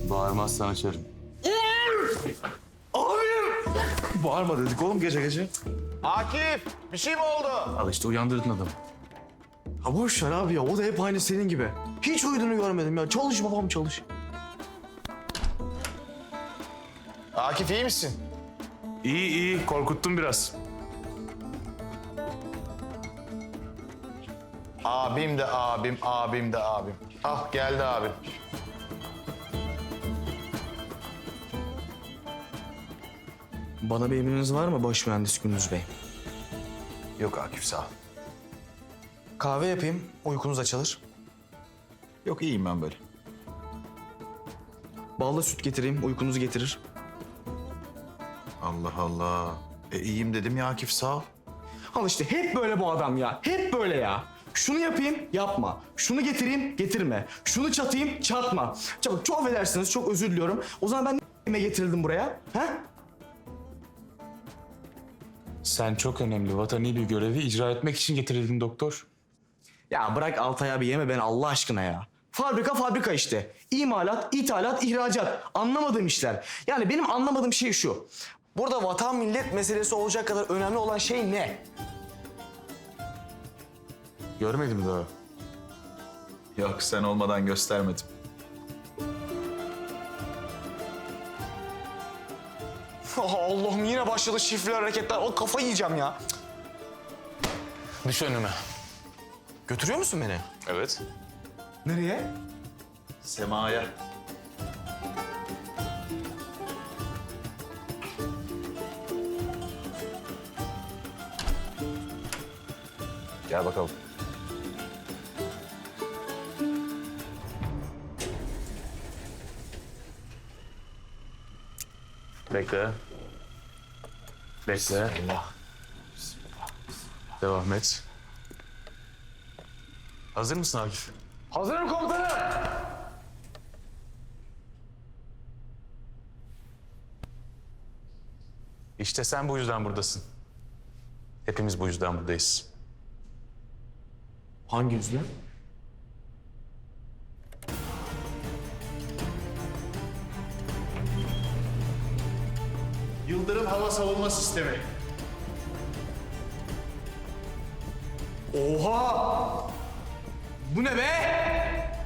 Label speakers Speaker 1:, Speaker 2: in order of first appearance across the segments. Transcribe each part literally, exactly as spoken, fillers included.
Speaker 1: Bağırmazsan açarım.
Speaker 2: Abim! Bağırma dedik oğlum gece gece.
Speaker 3: Akif, bir şey mi oldu?
Speaker 1: Al işte uyandırdın adamı.
Speaker 2: Ha boş ver abi ya, o da hep aynı senin gibi. Hiç uyuduğunu görmedim ya. Çalış babam çalış.
Speaker 3: Akif iyi misin?
Speaker 1: İyi iyi korkuttun biraz.
Speaker 3: Abim de abim, abim de abim. Ah geldi abim.
Speaker 2: Bana bir emriniz var mı baş mühendis Gündüz Bey?
Speaker 3: Yok Akif sağ ol.
Speaker 2: Kahve yapayım, uykunuz açılır.
Speaker 3: Yok iyiyim ben böyle.
Speaker 2: Ballı süt getireyim, uykunuzu getirir.
Speaker 3: Allah Allah. E iyiyim dedim ya Akif sağ ol.
Speaker 2: Al işte hep böyle bu adam ya. Hep böyle ya. Şunu yapayım, yapma. Şunu getireyim, getirme. Şunu çatayım, çatma. Çabuk, çok affedersiniz, çok özür diliyorum. O zaman ben ne getirildim buraya? Ha?
Speaker 1: Sen çok önemli vatani bir görevi icra etmek için getirildin doktor.
Speaker 2: Ya bırak Altay abi, yeme beni Allah aşkına ya. Fabrika fabrika işte. İmalat, ithalat, ihracat. Anlamadığım işler. Yani benim anlamadığım şey şu. Burada vatan millet meselesi olacak kadar önemli olan şey ne?
Speaker 1: Görmedim daha.
Speaker 3: Yok sen olmadan göstermedim.
Speaker 2: Allah'ım yine başladı şifre hareketler. O kafayı yiyeceğim ya.
Speaker 1: Düş önüme.
Speaker 2: Götürüyor musun beni?
Speaker 1: Evet.
Speaker 2: Nereye?
Speaker 3: Sema'ya. Gel bakalım.
Speaker 1: Bekle. Bekle.
Speaker 3: Allah.
Speaker 1: Devam et. Hazır mısın Akif?
Speaker 2: Hazırım komutanım.
Speaker 1: İşte sen bu yüzden buradasın. Hepimiz bu yüzden buradayız.
Speaker 2: Hangi yüzle?
Speaker 4: Yıldırım Hava Savunma Sistemi.
Speaker 2: Oha! Bu ne be?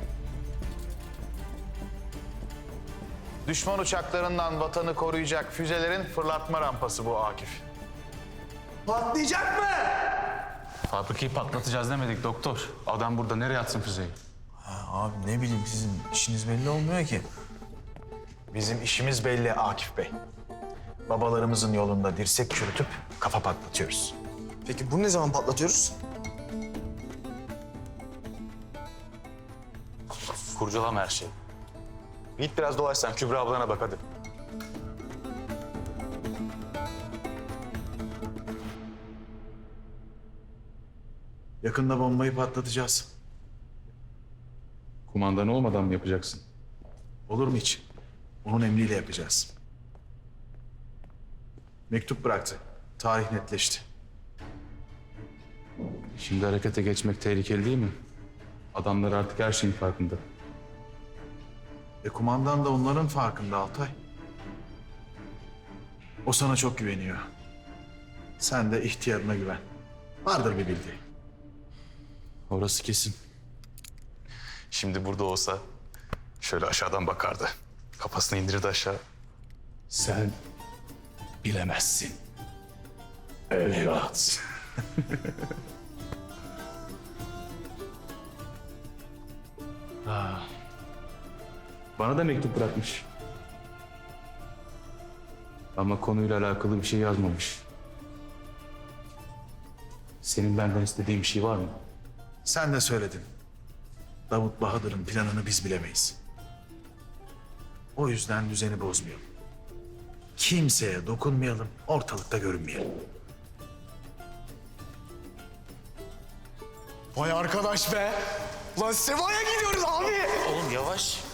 Speaker 3: Düşman uçaklarından vatanı koruyacak füzelerin fırlatma rampası bu Akif.
Speaker 2: Patlayacak mı?
Speaker 1: Fabrikayı patlatacağız demedik doktor. Adam burada nereye atsın füzeyi?
Speaker 3: Abi ne bileyim sizin işiniz belli olmuyor ki. Bizim işimiz belli Akif Bey. Babalarımızın yolunda dirsek çürütüp kafa patlatıyoruz.
Speaker 2: Peki bunu ne zaman patlatıyoruz?
Speaker 1: Kurcalama her şeyi. Git biraz dolaş sen. Kübra ablana bak hadi.
Speaker 4: Yakında bombayı patlatacağız.
Speaker 1: Kumandan olmadan mı yapacaksın?
Speaker 4: Olur mu hiç? Onun emriyle yapacağız. Mektup bıraktı. Tarih netleşti.
Speaker 1: Şimdi harekete geçmek tehlikeli değil mi? Adamlar artık her şeyin farkında.
Speaker 4: E kumandan da onların farkında Altay. O sana çok güveniyor. Sen de ihtiyarına güven. Vardır bir bildiği.
Speaker 1: Orası kesin. Şimdi burada olsa şöyle aşağıdan bakardı. Kafasını indirirdi aşağı. Sen bilemezsin. Evlat. Ah. Bana da mektup bırakmış. Ama konuyla alakalı bir şey yazmamış. Senin benden istediğin bir şey var mı?
Speaker 4: Sen de söyledin. Davut Bahadır'ın planını biz bilemeyiz. O yüzden düzeni bozmayalım. Kimseye dokunmayalım, ortalıkta görünmeyelim.
Speaker 2: Vay arkadaş be. Lan Sema'ya gidiyoruz abi.
Speaker 1: Oğlum yavaş.